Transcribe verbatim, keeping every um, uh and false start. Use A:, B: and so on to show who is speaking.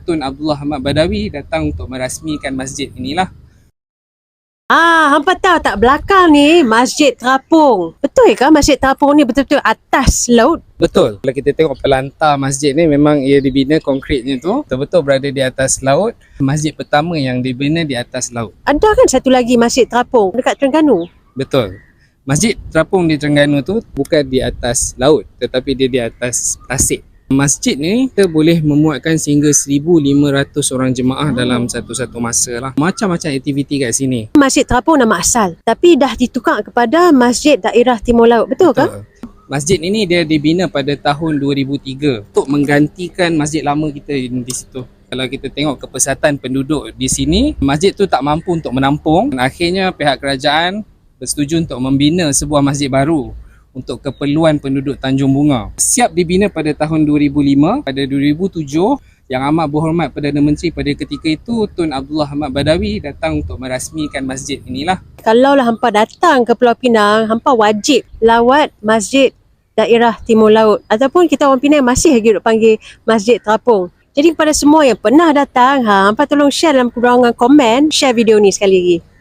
A: Tun Abdullah Ahmad Badawi datang untuk merasmikan masjid inilah.
B: Ah, hampa tahu tak belakang ni Masjid Terapung. Betul ke Masjid Terapung ni betul-betul atas laut?
A: Betul. Kalau kita tengok pelantar masjid ni memang ia dibina konkritnya tu betul-betul berada di atas laut. Masjid pertama yang dibina di atas laut.
B: Ada kan satu lagi Masjid Terapung dekat Terengganu?
A: Betul. Masjid Terapung di Terengganu tu bukan di atas laut tetapi dia di atas tasik. Masjid ni kita boleh memuatkan sehingga seribu lima ratus orang jemaah oh. dalam satu-satu masa lah. Macam-macam aktiviti kat sini.
B: Masjid Terapung nama asal tapi dah ditukar kepada Masjid Daerah Timur Laut. Betul, Betul. ke?
A: Masjid ini dia dibina pada tahun dua ribu tiga untuk menggantikan masjid lama kita di situ. Kalau kita tengok kepesatan penduduk di sini, masjid tu tak mampu untuk menampung. Akhirnya pihak kerajaan bersetuju untuk membina sebuah masjid baru untuk keperluan penduduk Tanjung Bunga. Siap dibina pada tahun dua ribu lima, pada dua ribu tujuh, Yang Amat Berhormat Perdana Menteri pada ketika itu, Tun Abdullah Ahmad Badawi datang untuk merasmikan masjid inilah.
B: Kalaulah hampa datang ke Pulau Pinang, hampa wajib lawat Masjid Daerah Timur Laut ataupun kita orang Pinang masih lagi duk panggil Masjid Terapung. Jadi kepada semua yang pernah datang, ha, hampa tolong share dalam ruangan komen, share video ni sekali lagi.